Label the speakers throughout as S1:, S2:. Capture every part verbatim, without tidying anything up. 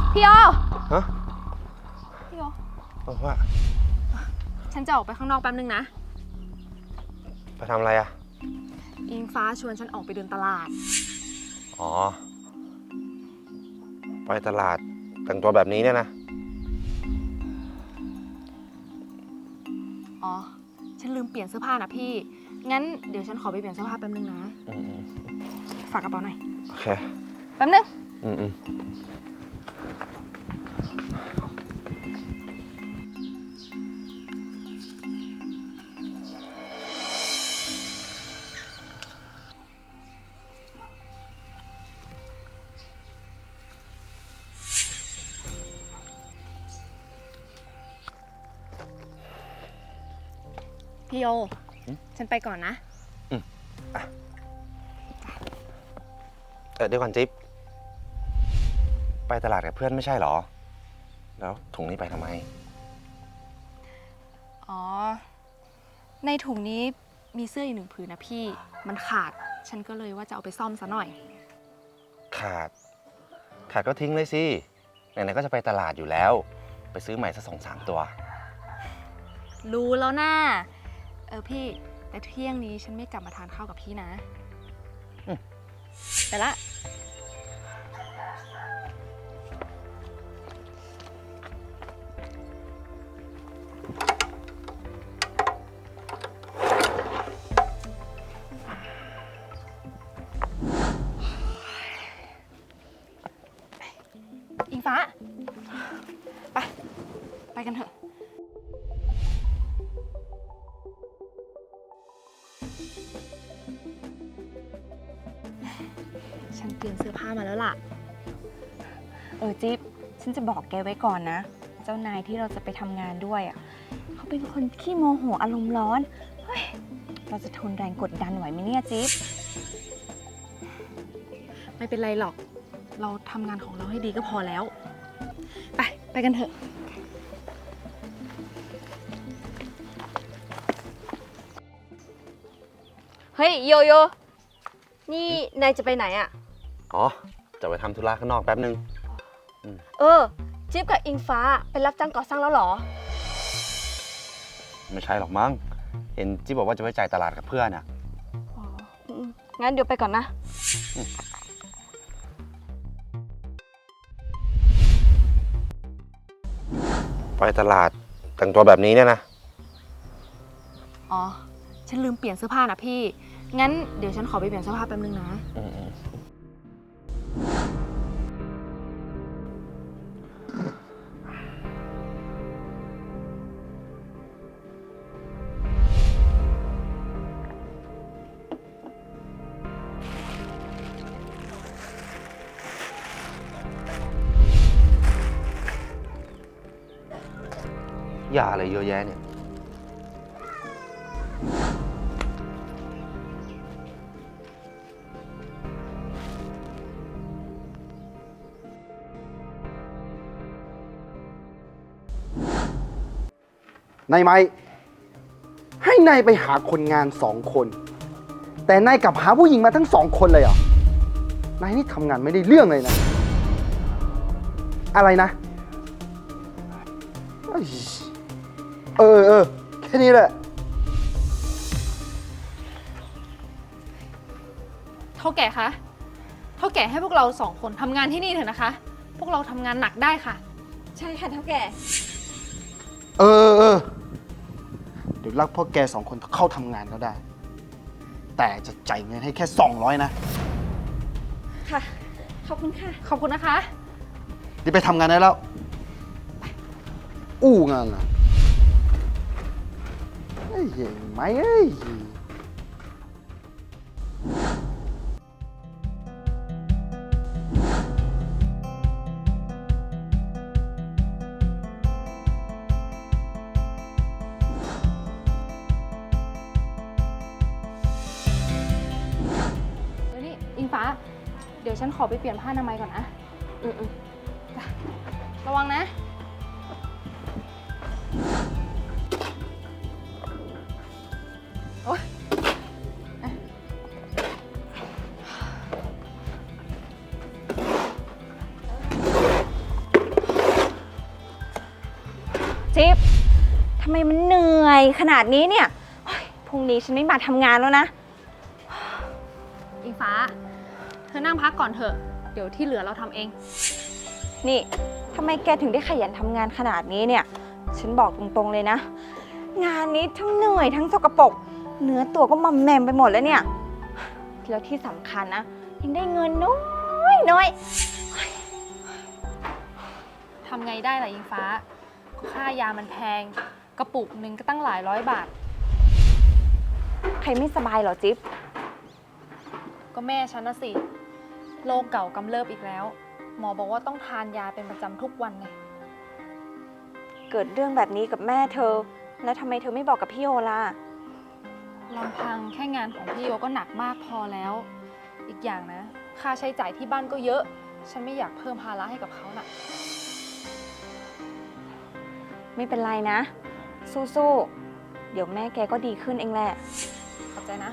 S1: พี่โอ
S2: ฮะ
S1: พี่โอ
S2: บอกว่า
S1: ฉันจะออกไปข้างนอกแป๊บนึงนะ
S2: ไปทำอะไรอะ
S1: อิงฟ้าชวนฉันออกไปเดินตลาด
S2: อ๋อไปตลาดแต่งตัวแบบนี้เนี่ยนะ
S1: อ๋อฉันลืมเปลี่ยนเสื้อผ้านะพี่งั้นเดี๋ยวฉันขอไปเปลี่ยนเสื้อผ้าแป๊บนึงนะฝากกระเป๋าหน่อย
S2: โอเค
S1: แป๊บนึง
S2: อืมอืม
S1: พี่โอฉันไปก่อนนะ
S2: อืมอ่ะเออเดี๋ยวก่อนจิ๊บไปตลาดกับเพื่อนไม่ใช่หรอแล้วถุงนี้ไปทำไม
S1: อ๋อในถุงนี้มีเสื้ออีกหนึ่งผืนนะพี่มันขาดฉันก็เลยว่าจะเอาไปซ่อมซะหน่อย
S2: ขาดขาดก็ทิ้งเลยสิไหนๆก็จะไปตลาดอยู่แล้วไปซื้อใหม่สักสองสามตัว
S1: รู้แล้วนะเออพี่แต่เที่ยงนี้ฉันไม่กลับมาทานข้าวกับพี่นะไปละอิงฟ้าไปไปกันเถอะฉันเตรียมเสื้อผ้ามาแล้วล่ะเออจิ๊บฉันจะบอกแกไว้ก่อนนะเจ้านายที่เราจะไปทำงานด้วยอ่ะเขาเป็นคนขี้โมโหอารมณ์ร้อนเฮ้ยเราจะทนแรงกดดันไหวไหมเนี่ยจิ๊บไม่เป็นไรหรอกเราทำงานของเราให้ดีก็พอแล้วไปไปกันเถอะ
S3: เฮ้ยโยโย่นี่นายจะไปไหนอะ
S2: อ๋อจะไปทำธุระข้างนอกแป๊บนึง
S3: เออจิ๊บกับอิงฟ้าไปรับจ้างก่อสร้างแล้วเหรอ
S2: ไม่ใช่หรอกมั้งเห็นจิ๊บบอกว่าจะไปจ่ายตลาดกับเพื่อนอ่ะ
S3: อ๋องั้นเดี๋ยวไปก่อนนะ
S2: ไปตลาดแต่งตัวแบบนี้เนี่ยนะ
S1: อ๋อฉันลืมเปลี่ยนเสื้อผ้านะพี่งั้นเดี๋ยวฉันขอไปเปลี่ยนเสื้อผ้าแป๊บนึงนะ
S2: ยาอะไรเยอะแยะเนี่ย
S4: นายไม้ให้นายไปหาคนงานสองคนแต่นายกลับหาผู้หญิงมาทั้งสองคนเลยเหรอนายนี่ทำงานไม่ได้เรื่องเลยนะอะไรนะเออเออแค่นี้แหละ
S1: เท่าแก่คะเท่าแก่ให้พวกเราสองคนทำงานที่นี่เถอะนะคะพวกเราทำงานหนักได้ค่ะ
S3: ใช่ค่ะเท่าแก่
S4: เออเออเดี๋ยวรักพ่อแกสองคนเข้าทำงานก็ได้แต่จะจ่ายเงินให้แค่สองร้อยนะ
S3: ค่ะขอบคุณค่ะ
S1: ขอบคุณนะคะ
S4: เดี๋ยวไปทำงานได้แล้วอู้งานล่ะเฮ้ยไหมเอ้ย
S1: อิงฟ้าเดี๋ยวฉันขอไปเปลี่ยนผ้าอนามัยก่อนนะ
S3: อืม
S1: ๆระวังนะโอ๊ยจิ๊บทำไมมันเหนื่อยขนาดนี้เนี่ยเฮ้ยพรุ่งนี้ฉันไม่มาทำงานแล้วนะ
S3: อิงฟ้า เธอนั่งพักก่อนเถอะ เดี๋ยวที่เหลือเราทำเอง
S1: นี่ทำไมแกถึงได้ขยันทำงานขนาดนี้เนี่ย ฉันบอกตรงๆเลยนะ งานนี้ทั้งเหนื่อยทั้งสกปรกเนื้อตัวก็มอมแมมไปหมดแล้วเนี่ย แล้วที่สำคัญนะ ยังได้เงินน้อยน้อย
S3: ทำไงได้ล่ะอิงฟ้า ค่ายามันแพง กระปุกหนึ่งก็ตั้งหลายร้อยบาท
S1: ใครไม่สบายเหรอจิ๊บ
S3: ก็แม่ฉันนะสิ โรคเก่ากำเริบอีกแล้ว หมอบอกว่าต้องทานยาเป็นประจำทุกวันไง
S1: เกิดเรื่องแบบนี้กับแม่เธอ แล้วทำไมเธอไม่บอกกับพี่โอล่ะ
S3: ลำพังแค่งานของพี่โยก็หนักมากพอแล้ว อีกอย่างนะ ค่าใช้จ่ายที่บ้านก็เยอะ ฉันไม่อยากเพิ่มภาระให้กับเขาน่ะ
S1: ไม่เป็นไรนะ สู้ๆ เดี๋ยวแม่แกก็ดีขึ้นเองแหละ
S3: ขอบใจนะ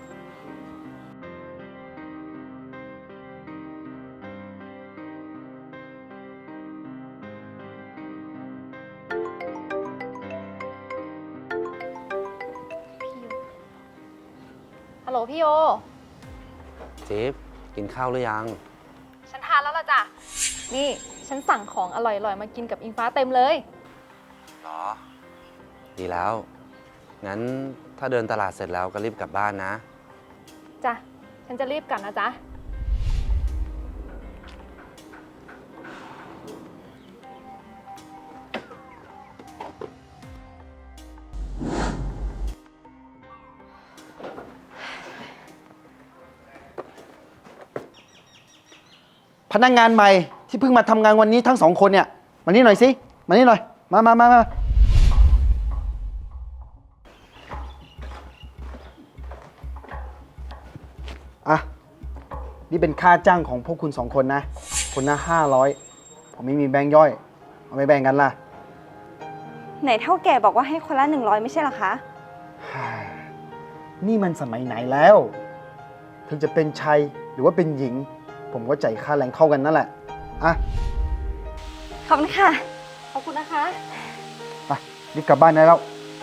S3: ฮัลโหลพี่โย
S2: จิ๊บกินข้าวหรือยัง
S3: ฉันทานแล้วล่ะจ้ะ นี่ ฉันสั่งของอร่อยๆ มากินกับอิงฟ้าเต็มเลย
S2: หรอ ดีแล้ว งั้นถ้าเดินตลาดเสร็จแล้วก็รีบกลับบ้านนะ
S3: จ้ะ ฉันจะรีบกลับนะจ๊ะ
S4: พนักงานใหม่ที่เพิ่งมาทำงานวันนี้ทั้งสองคนเนี่ย มานี่หน่อยสิ มานี่หน่อย มามามามาอ่ะ นี่เป็นค่าจ้างของพวกคุณสองคนนะ คนละห้าร้อยผมไม่มีแบงค์ย่อย เอาไปแบ่งกันล่ะ
S1: ไหนเท่าแก่บอกว่าให้คนละหนึ่งร้อยไม่ใช่เหรอคะ
S4: นี่มันสมัยไหนแล้ว ถึงจะเป็นชายหรือว่าเป็นหญิง ผมก็จ่ายค่าแรงเท่ากันนั่นแหละ อ่ะ
S1: ขอบคุณค่ะ
S3: ขอบคุณนะคะ
S4: ไปรีบกลับบ้านได้แล้ว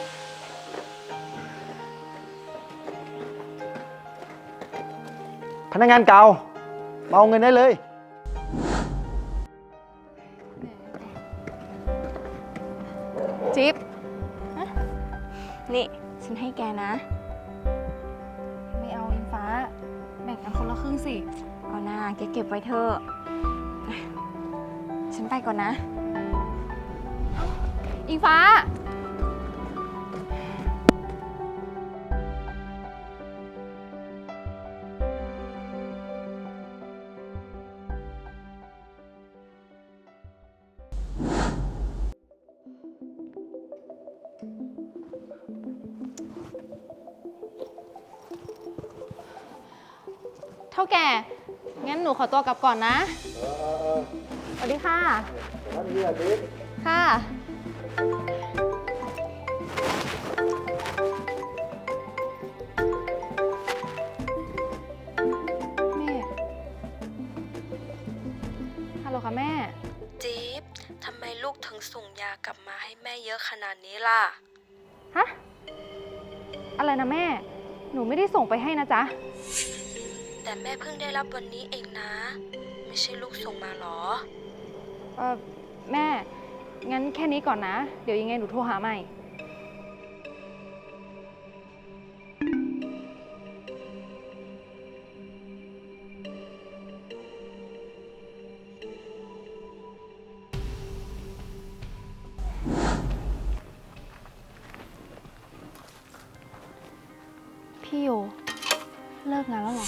S4: พนักงานเก่ามาเอาเงินได้เลย
S3: จิ๊บ
S1: นี่ ฉันให้แกนะ
S3: ไม่เอาอิงฟ้า แบ่งกันคนละครึ่งสิ
S1: เอาหน้าแกเก็บไว้เถอะ ฉันไปก่อนนะ
S3: อิงฟ้า เท่าแก่ งั้นหนูขอตัวกลับก่อนนะ สวัสดีค่ะ ค่ะ แม่ ฮัลโหลค่ะแม่
S5: จี๊บ ทำไมลูกถึงส่งยากลับมาให้แม่เยอะขนาดนี้ล่ะ
S3: ฮะ อะไรนะแม่ หนูไม่ได้ส่งไปให้นะจ๊ะ
S5: แต่แม่เพิ่งได้รับวันนี้เองนะ ไม่ใช่ลูกส่งมาหรอ
S3: เออแม่ งั้นแค่นี้ก่อนนะ เดี๋ยวยังไงหนูโทรหาใหม่ พี่โย เลิกงานแล้วเหรอ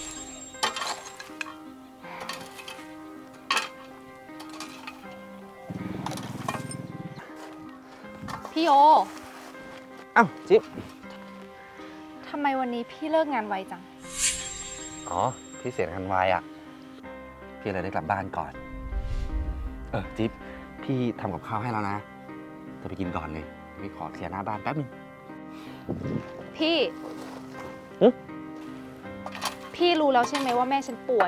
S3: พี่โย
S2: อ้าวจิ๊บ
S3: ทำไมวันนี้พี่เลิกงานไวจัง
S2: อ๋อ พี่เสียงานวายอ่ะ พี่เลยได้กลับบ้านก่อน เออ จิ๊บ พี่ทำกับข้าวให้แล้วนะเธอไปกินก่อนเลย พี่ขอเคลียร์หน้าบ้านแป๊บนึง
S3: พี่
S2: หึ
S3: พี่รู้แล้วใช่ไหมว่าแม่ฉันป่วย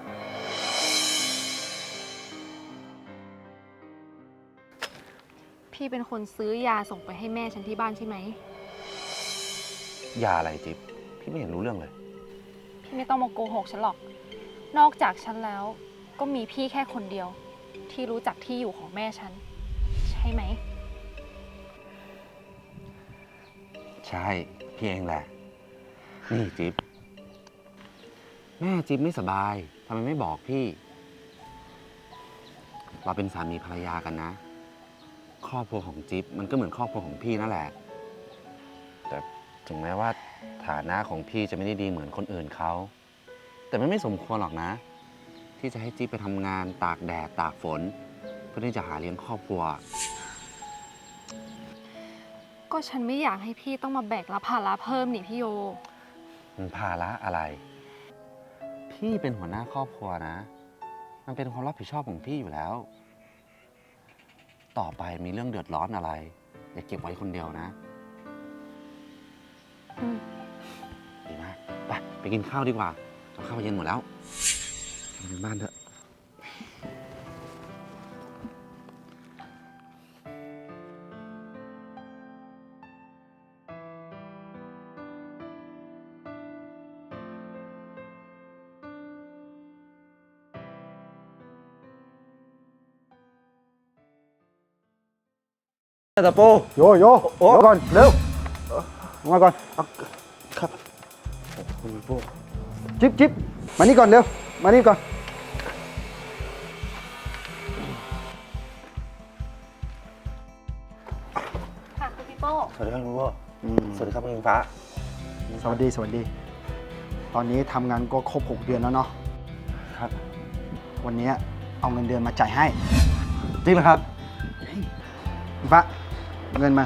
S3: พพี่เป็นคนซื้อยาส่งไปให้แม่ฉันที่บ้านใช่ไหม
S2: ยาอะไรจิ๊บพี่ไม่เห็นรู้เรื่องเลย
S3: พี่ไม่ต้องมาโกหกฉันหรอก นอกจากฉันแล้ว ก็มีพี่แค่คนเดียว ที่รู้จักที่อยู่ของแม่ฉัน ใช่ไหม
S2: ใช่พี่เองแหละ นี่จิ๊บแม่จิ๊บไม่สบายทำไมไม่บอกพี่ เราเป็นสามีภรรยากันนะ ครอบครัวของจิ๊บมันก็เหมือนครอบครัวของพี่นั่นแหละ แต่ถึงแม้ว่าฐานะของพี่จะไม่ได้ดีเหมือนคนอื่นเขา แต่มันไม่สมควรหรอกนะ ที่จะให้จิ๊บไปทำงานตากแดดตากฝน เพื่อที่จะหาเลี้ยงครอบครัว
S3: ก็ฉันไม่อยากให้พี่ต้องมาแบกรับภาระเพิ่มนี่พี่โย
S2: มันภาระอะไร พี่เป็นหัวหน้าครอบครัวนะ มันเป็นความรับผิดชอบของพี่อยู่แล้ว ต่อไปมีเรื่องเดือดร้อนอะไร อย่าเก็บไว้คนเดียวนะ
S3: อืม
S2: ดีมาก ไป ไปกินข้าวดีกว่ากับข้าวเย็นหมดแล้วไปถึงบ้านเถอะ ตะปู
S4: โยโยโอ้ก่อน เร็วลงมาก่อน
S2: ครับคุณปู
S4: จิ๊บจิ๊บมานี่ก่อนเร็ว มานี่ก่อน
S3: ค่ะคุณพี่โป้
S2: สวัสดีครับคุณปูสวัสดีครับคุณอิงฟ้า
S4: สวัสดี สวัสดี ตอนนี้ทำงานก็ครบหกเดือนแล้วเนาะ
S2: ครับ
S4: วันนี้เอาเงินเดือนมาจ่ายให้
S2: จริงเหรอครับ
S4: อิงฟ้าเงินมา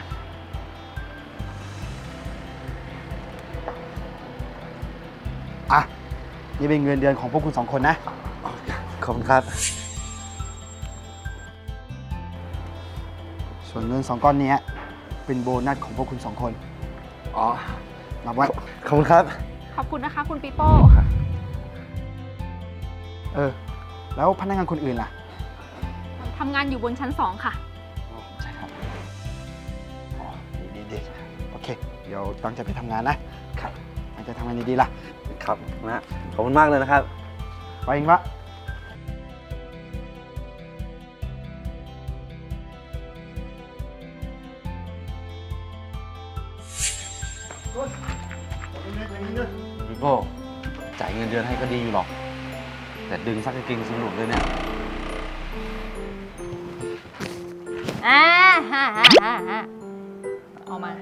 S4: อ่ะ นี่เป็นเงินเดือนของพวกคุณสองคนนะ
S2: ขอบคุณครับ
S4: ส่วนเงินสองก้อนนี้เป็นโบนัสของพวกคุณสองคน
S2: อ๋อ
S4: รับไว้
S2: ขอบคุณครับ
S3: ขอบคุณนะคะคุณปีโป้
S4: เออ แล้วพนักงานคนอื่นล่ะ
S3: ทำงานอยู่บนชั้นสองค่ะ
S4: ใช่ครับ อ๋อ ดีดีดีโอเค เดี๋ยวตั้งใจไปทำงานนะ ครับตั้งใจทำงานดีๆล่ะ
S2: ครับนะ ขอบคุณมากเลยนะครับ
S4: ไปเองปะ
S2: พี่โป้จ่ายเงินเดือนให้ก็ดีอยู่หรอก แต่ดึงซักกางเกงสนุกเลยเนี่ย
S3: อ่าฮ่าฮ่าฮ่าฮ่าเอามา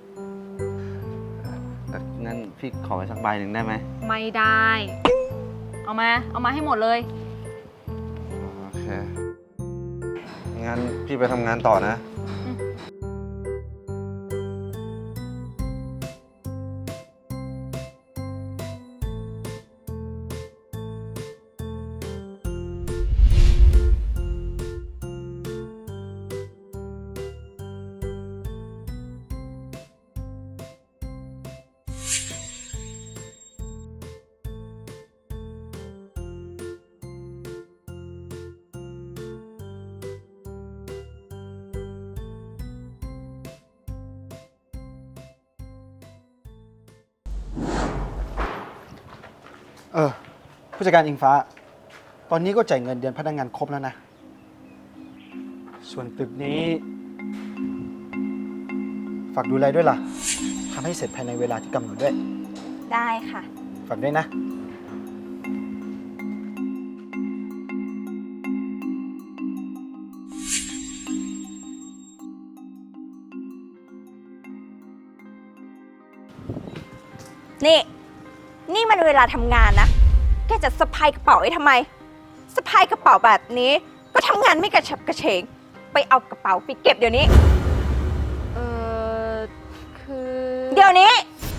S2: แต่งั้นพี่ขอไปสักใบหนึ่งได้ไหม
S3: ไม่ได้ เอามา เอามาให้หมดเลย
S2: โอเค งั้นพี่ไปทำงานต่อนะ
S4: เออ ผู้จัดการอิงฟ้า ตอนนี้ก็จ่ายเงินเดือนพนักงานครบแล้วนะ ส่วนตึกนี้ ฝากดูแลด้วยล่ะ ทำให้เสร็จภายในเวลาที่กำหนดด้วย
S1: ได้ค่ะ
S4: ฝากด้วยนะ
S1: นี่ นี่มันเวลาทำงานนะ แกจะสะพายกระเป๋าไว้ทำไม สะพายกระเป๋าแบบนี้ ก็ทำงานไม่กระฉับกระเฉง ไปเอากระเป๋าไปเก็บเดี๋ยวนี้
S3: เออคือ
S1: เดี๋ยวนี้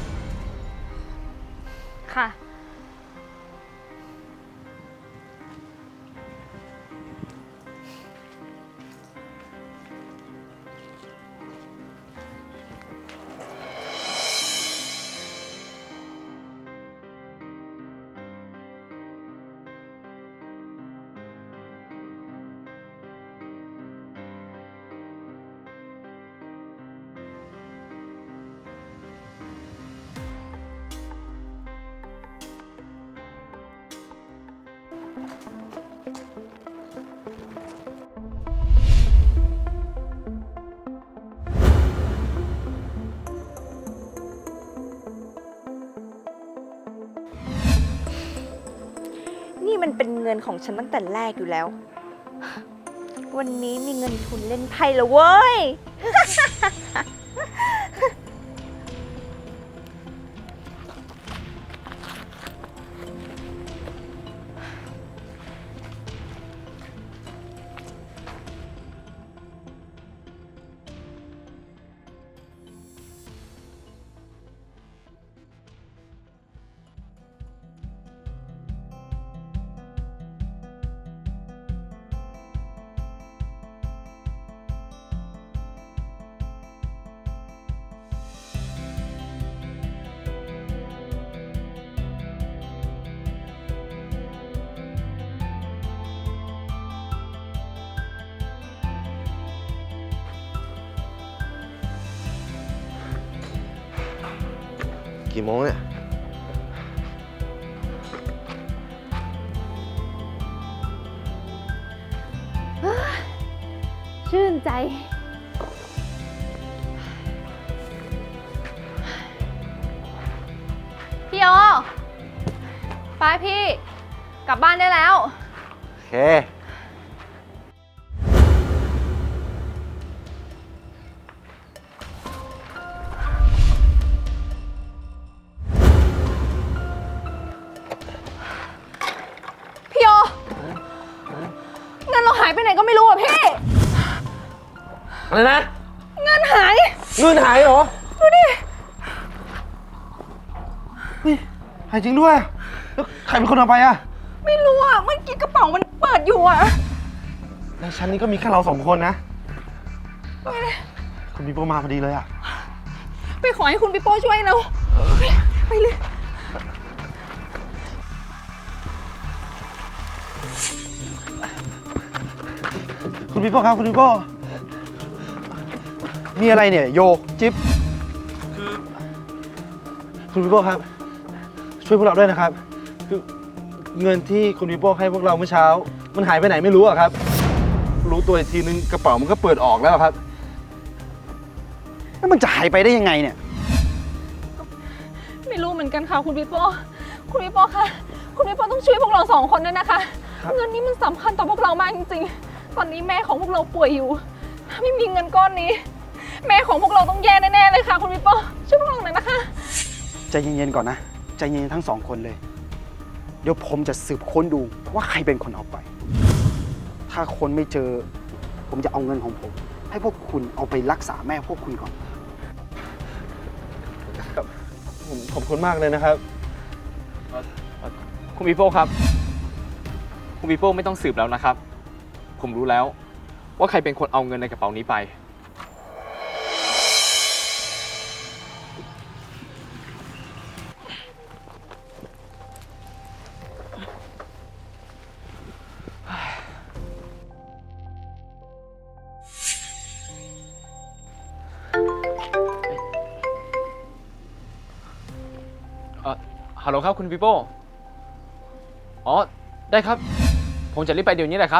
S3: ค่ะ
S2: อ
S1: เงินของฉันตั้งแต่แรกอยู่แล้ว วันนี้มีเงินทุนเล่นไพ่แล้วเว้ย
S2: กี่โมงเนี่ย
S3: ชื่นใจ พี่โอไปพี่ กลับบ้านได้แล้ว
S2: โอเค
S3: พี่โอเงินเราหายไปไหนก็ไม่รู้อ่ะพี่
S2: อะไรนะ
S3: เงินหาย
S2: เงินหายเหรอ
S3: ดูดิ
S2: นี่หายจริงด้วย แล้วใครเป็นคนเอาไปอ่ะ
S3: ไม่รู้อ่ะ เมื่อกี้กระเป๋ามันเปิดอยู่อ่ะ
S2: ในชั้นนี้ก็มีแค่เราสองคนนะ คุณมีโปรมาพอดีเลยอ่ะ
S3: ไปขอให้คุณปิโป้ช่วยเรา ไปเลย
S4: คุณพี่โป้ครับ คุณพี่โป้มีอะไรเนี่ย โยจิ๊บคือคุณพี่โป้ครับ ช่วยพวกเราด้วยนะครับ คือเงินที่คุณพี่โป้ให้พวกเราเมื่อเช้า มันหายไปไหนไม่รู้อะครับ รู้ตัวอีกทีนึงกระเป๋ามันก็เปิดออกแล้วครับแล้วมันจะหายไปได้ยังไงเนี่ย
S3: ไม่รู้เหมือนกันค่ะคุณปิโป้ คุณปิโป้คะ คุณปิโป้ต้องช่วยพวกเราสองคนด้วยนะคะ
S4: ครับ
S3: เงินนี้มันสำคัญต่อพวกเรามากจริงๆ ตอนนี้แม่ของพวกเราป่วยอยู่ ถ้าไม่มีเงินก้อนนี้ แม่ของพวกเราต้องแย่แน่ๆเลยค่ะคุณปิโป้ ช่วยพวกเราหน่อยนะคะ
S4: ใจเย็นๆก่อนนะ ใจเย็นๆทั้งสองคนเลย เดี๋ยวผมจะสืบค้นดูว่าใครเป็นคนเอาไป ถ้าคนไม่เจอ ผมจะเอาเงินของผม ให้พวกคุณเอาไปรักษาแม่พวกคุณก่อน
S6: ผมขอบคุณมากเลยนะครับเอ่อเอ่อคุณปีโป้ครับ คุณปีโป้ไม่ต้องสืบแล้วนะครับ ผมรู้แล้วว่าใครเป็นคนเอาเงินในกระเป๋านี้ไป เอ่อฮัลโหลครับคุณปีโป้ อ๋อ ได้ครับ ผมจะรีบไปเดี๋ยวนี้แหละครับ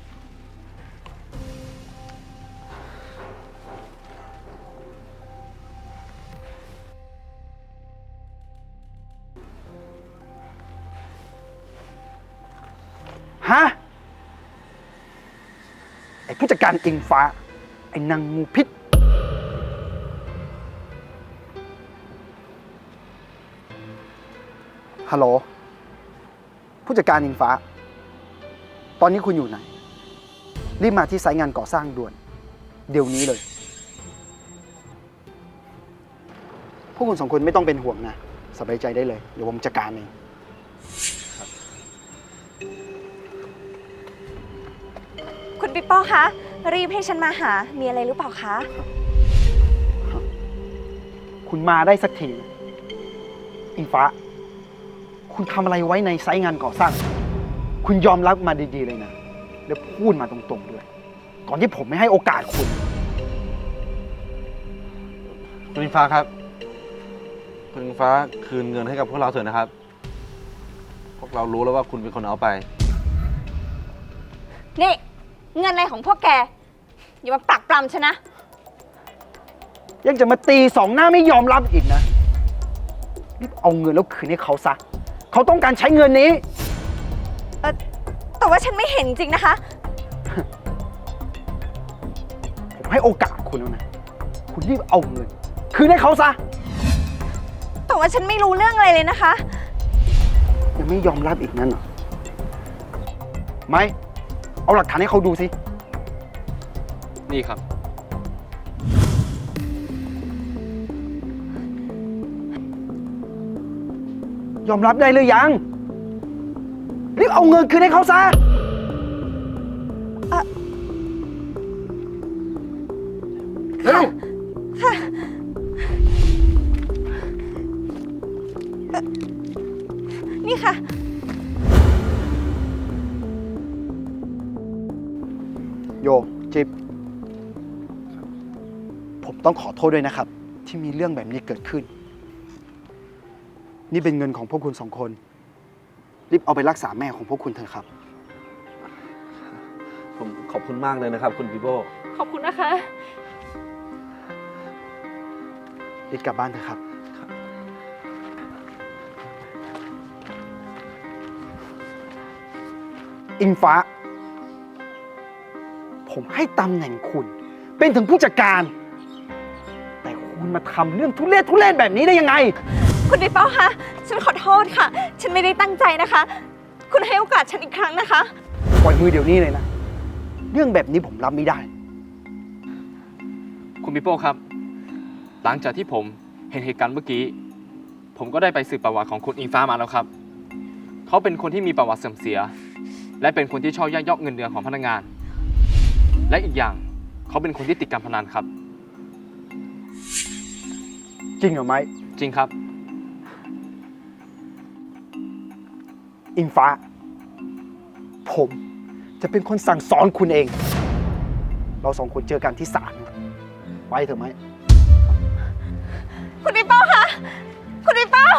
S4: ฮะ ไอ้ผู้จัดการอิงฟ้า ไอ้นางงูพิษ ฮัลโหล ผู้จัดการอิงฟ้า ตอนนี้คุณอยู่ไหน รีบมาที่ไซต์งานก่อสร้างด่วน เดี๋ยวนี้เลย พวกคุณสองคนไม่ต้องเป็นห่วงนะ สบายใจได้เลย เดี๋ยวผมจัดการเอง
S1: คุณปิโป้คะ รีบให้ฉันมาหา มีอะไรหรือเปล่าคะ
S4: คุณมาได้สักทีนะอิงฟ้า คุณทำอะไรไว้ในไซต์งานก่อสร้าง คุณยอมรับมาดีๆเลยนะ แล้วพูดมาตรงๆด้วย ก่อนที่ผมไม่ให้โอกาสคุณ
S2: คุณอิงฟ้าครับ คุณอิงฟ้าคืนเงินให้กับพวกเราเถอะนะครับ พวกเรารู้แล้วว่าคุณเป็นคนเอาไป
S1: นี่ เงินอะไรของพวกแก อย่ามาปลักปลำฉันนะ
S4: ยังจะมาตีสองหน้าไม่ยอมรับอีกนะรีบเอาเงินแล้วคืนให้เขาซะ เขาต้องการใช้เงินนี้
S1: เออแต่ว่าฉันไม่เห็นจริงนะคะ
S4: ผมให้โอกาสคุณแล้วนะ คุณรีบเอาเงิน คืนให้เขาซะ
S1: แต่ว่าฉันไม่รู้เรื่องอะไรเลยนะคะ
S4: ยังไม่ยอมรับอีกนั่นเหรอ ไม่ เอาหลักฐานให้เขาดูสิ
S6: นี่ครับ
S4: ยอมรับได้หรือยัง รีบเอาเงินคืนให้เขาซะ
S1: เอ่อ
S4: เร็ว
S1: นี่ค่ะ
S4: โยจิบผมต้องขอโทษด้วยนะครับ ที่มีเรื่องแบบนี้เกิดขึ้น นี่เป็นเงินของพวกคุณสองคน รีบเอาไปรักษาแม่ของพวกคุณเถอะครับ
S2: ผมขอบคุณมากเลยนะครับ คุณปีโป้
S3: ขอบคุณนะคะ
S4: รีบกลับบ้านเถอะครับ อิงฟ้า ผมให้ตำแหน่งคุณ เป็นถึงผู้จัดการ แต่คุณมาทำเรื่องทุเรศทุเรศแบบนี้ได้ยังไง
S1: คุณปีโป้คะ ฉันขอโทษค่ะ ฉันไม่ได้ตั้งใจนะคะ คุณให้โอกาสฉันอีกครั้งนะคะ
S4: ปล่อยมือเดี๋ยวนี้เลยนะ เรื่องแบบนี้ผมรับไม่ได้
S6: คุณปีโป้ครับ หลังจากที่ผมเห็นเหตุการณ์เมื่อกี้ ผมก็ได้ไปสืบประวัติของคุณอิงฟ้ามาแล้วครับ เขาเป็นคนที่มีประวัติเสื่อมเสีย และเป็นคนที่ชอบยักยอกเงินเดือนของพนักงาน และอีกอย่างเขาเป็นคนที่ติดการพนันครับ
S4: จริงเหรอไม้
S6: จริงครับ
S4: อิงฟ้า ผมจะเป็นคนสั่งสอนคุณเอง เราสองคนเจอกันที่ศาลไปเถอะไหม
S1: คุณปีโป้คะ คุณปีโป้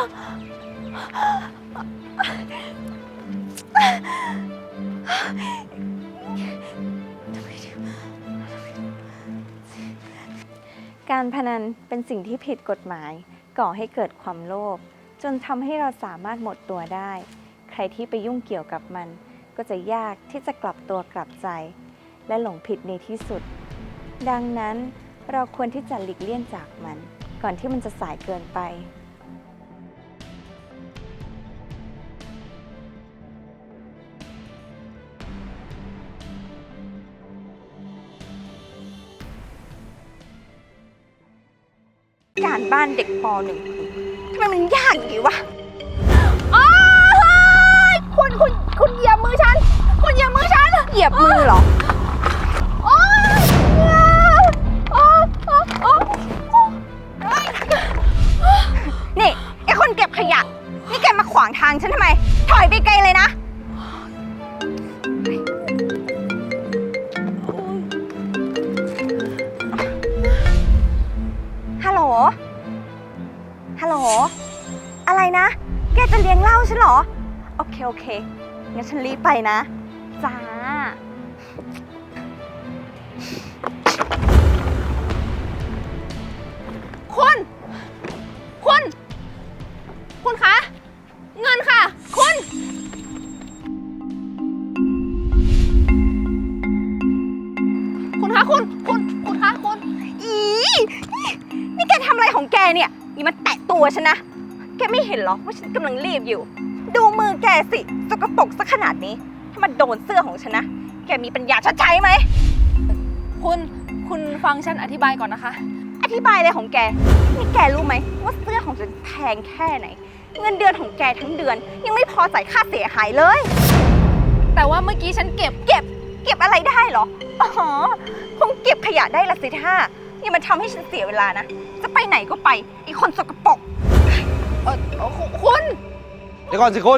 S1: การพนันเป็นสิ่งที่ผิดกฎหมาย ก่อให้เกิดความโลภจนทำให้เราสามารถหมดตัวได้ ใครที่ไปยุ่งเกี่ยวกับมัน ก็จะยากที่จะกลับตัวกลับใจ และหลงผิดในที่สุด ดังนั้นเราควรที่จะหลีกเลี่ยงจากมัน ก่อนที่มันจะสายเกินไป การบ้านเด็กป หนึ่ง ทำไมมันยากอย่างนี้วะอ้ายคุณคุณคุณเหยียบมือฉัน คุณเหยียบมือฉัน เหยียบมือเหรอโอ๊ยโอ๊ยโอ๊ยโอ๊ยโอ๊ยนี่ไอ้คนเก็บขยะ นี่แกมาขวางทางฉันทำไม ถอยไปไกลเลยนะ ฮัลโหล ฮัลโหล อะไรนะ แกจะเลี้ยงเหล้าฉันเหรอ โอเค โอเค งั้นฉันรีบไปนะ จ้า คุณ คุณ คุณคะ เงินค่ะ คุณ คุณคะคุณ คุณ คุณคะคุณ อีนี่แกทำอะไรของแกเนี่ยอย่ามาแตะตัวฉันนะ แกไม่เห็นเหรอว่าฉันกำลังรีบอยู่ ดูมือแกสิสกปรกซะขนาดนี้ ถ้ามาโดนเสื้อของฉันนะ แกมีปัญญาชดใช้ไหม
S3: คุณ คุณฟังฉันอธิบายก่อนนะคะ
S1: อธิบายอะไรของแก นี่แกรู้ไหมว่าเสื้อของฉันแพงแค่ไหน เงินเดือนของแกทั้งเดือน ยังไม่พอจ่ายค่าเสียหายเลย
S3: แต่ว่าเมื่อกี้ฉันเก็บ
S1: เก็บ เก็บอะไรได้เหรอ อ๋อ คงเก็บขยะได้ละสิท่าอย่ามาทำให้ฉันเสียเวลานะ จะไปไหนก็ไปไอ้คนสกปรก
S3: เออเออคุณคุณ
S2: เดี๋ยวก่อนสิคุณ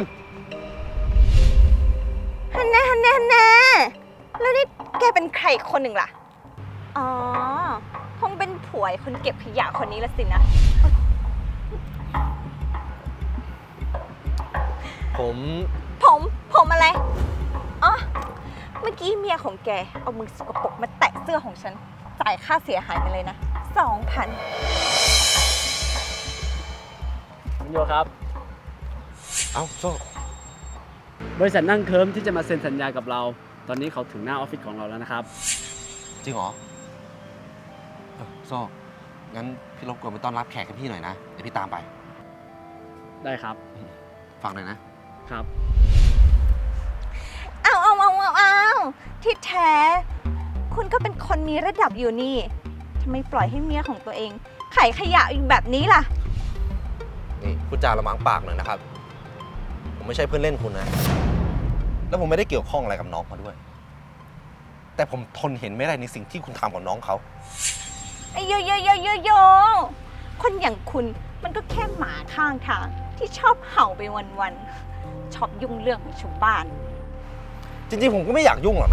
S1: ฮันแน่ฮันแน่ฮันแน่แล้วนี่แกเป็นใครคนหนึ่งล่ะ อ๋อ คงเป็นผัวไอ้คนเก็บขยะคนนี้ละสินะ
S2: ผม
S1: ผม ผมอะไร อ๋อ เมื่อกี้เมียของแกเอามือสกปรกมาแตะเสื้อของฉัน จ่ายค่าเสียหายไปเลยนะ สองพัน
S6: คุณโยครับ
S2: เอ้าโซ่
S7: บริษัทนั่งเคิร์มที่จะมาเซ็นสัญญากับเรา ตอนนี้เขาถึงหน้าออฟฟิศของเราแล้วนะครับ
S2: จริงเหรอเออโซ่งั้นพี่รบกวนไปต้อนรับแขกให้พี่หน่อยนะ เดี๋ยวพี่ตามไป
S7: ได้ครับ
S2: ฝากหน่อยนะ
S7: ครับ
S1: เอาเอาเอาเอาเอาที่แท้ คุณก็เป็นคนมีระดับอยู่นี่ทำไมปล่อยให้เมียของตัวเองไขขยะอยู่แบบนี้ล่ะ
S2: นี่พูดจาระมังปากหน่อยนะครับ ผมไม่ใช่เพื่อนเล่นคุณนะ แล้วผมไม่ได้เกี่ยวข้องอะไรกับน้องเขาด้วย แต่ผมทนเห็นไม่ได้ในสิ่งที่คุณทำกับน้องเขา
S1: ไอ้โยโยโยโยโยคนอย่างคุณมันก็แค่หมาข้างทางที่ชอบเห่าไปวันๆ ชอบยุ่งเรื่องของชาวบ้าน
S2: จริงๆ ผมก็ไม่อยากยุ่งหรอกนะ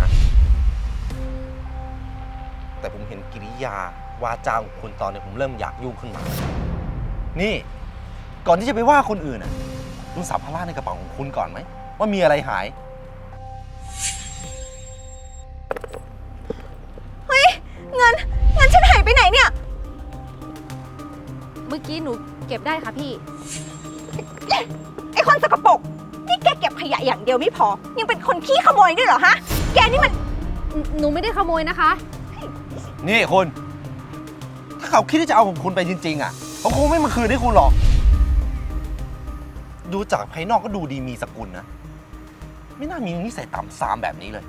S2: แต่ผมเห็นกิริยาวาจาของคุณตอนนี้ผมเริ่มอยากยุ่งขึ้นมา นี่ ก่อนที่จะไปว่าคนอื่นน่ะดูสัมภาระในกระเป๋าของคุณก่อนไหม ว่ามีอะไรหาย
S1: เฮ้ย เงิน เงินฉันหายไปไหนเนี่ย
S3: เมื่อกี้หนูเก็บได้ค่ะพี่
S1: ไอ้คนสกปรกนี่แกเก็บขยะอย่างเดียวไม่พอ ยังเป็นคนขี้ขโมยด้วยเหรอฮะ แกนี่มัน
S3: หนูไม่ได้ขโมยนะคะ
S2: นี่คุณ ถ้าเขาคิดที่จะเอาของคุณไปจริงๆอ่ะเขาคงไม่มาคืนให้คุณหรอก ดูจากภายนอกก็ดูดีมีสกุลนะ ไม่น่ามีนิสัยต่ำซามแบบนี้เลย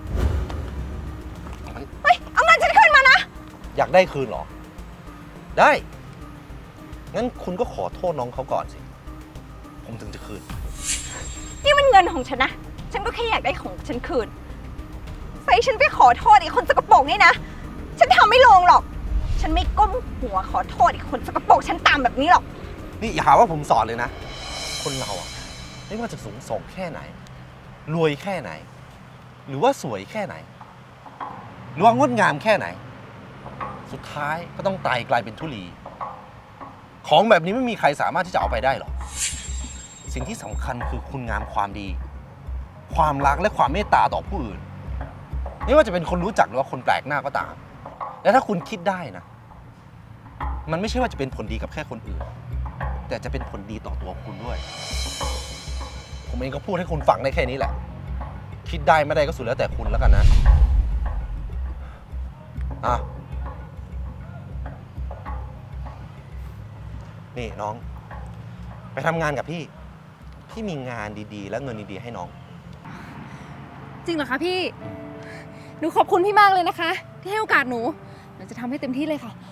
S1: เฮ้ย เอาเงินฉันขึ้นมานะ
S2: อยากได้คืนเหรอ ได้ งั้นคุณก็ขอโทษน้องเขาก่อนสิ ผมถึงจะคืน
S1: นี่มันเงินของฉันนะ ฉันก็แค่อยากได้ของฉันคืนใส่ฉันไปขอโทษไอ้คนสกปรกนี่นะ ฉันทำไม่ลงหรอก ฉันไม่ก้มหัวขอโทษไอ้คนสกปรกฉันตามแบบนี้หรอก
S2: นี่อย่าหาว่าผมสอนเลยนะ คนเราอะไม่ว่าจะสูงส่งแค่ไหน รวยแค่ไหน หรือว่าสวยแค่ไหน หรือว่างดงามแค่ไหน สุดท้ายก็ต้องตายกลายเป็นธุลี ของแบบนี้ไม่มีใครสามารถที่จะเอาไปได้หรอก สิ่งที่สำคัญคือคุณงามความดี ความรักและความเมตตาต่อผู้อื่น ไม่ว่าจะเป็นคนรู้จักหรือว่าคนแปลกหน้าก็ตาม และถ้าคุณคิดได้นะ มันไม่ใช่ว่าจะเป็นผลดีกับแค่คนอื่น แต่จะเป็นผลดีต่อตัวคุณด้วย ผมเองก็พูดให้คุณฟังได้แค่นี้แหละ คิดได้ไม่ได้ก็สุดแล้วแต่คุณแล้วกันนะ อ่ะ นี่น้อง ไปทำงานกับพี่ พี่มีงานดีๆ และเงินดีๆให้น้อง
S3: จริงเหรอคะพี่ หนูขอบคุณพี่มากเลยนะคะ ที่ให้โอกาสหนู หนูจะทำให้เต็มที่เลยค่ะ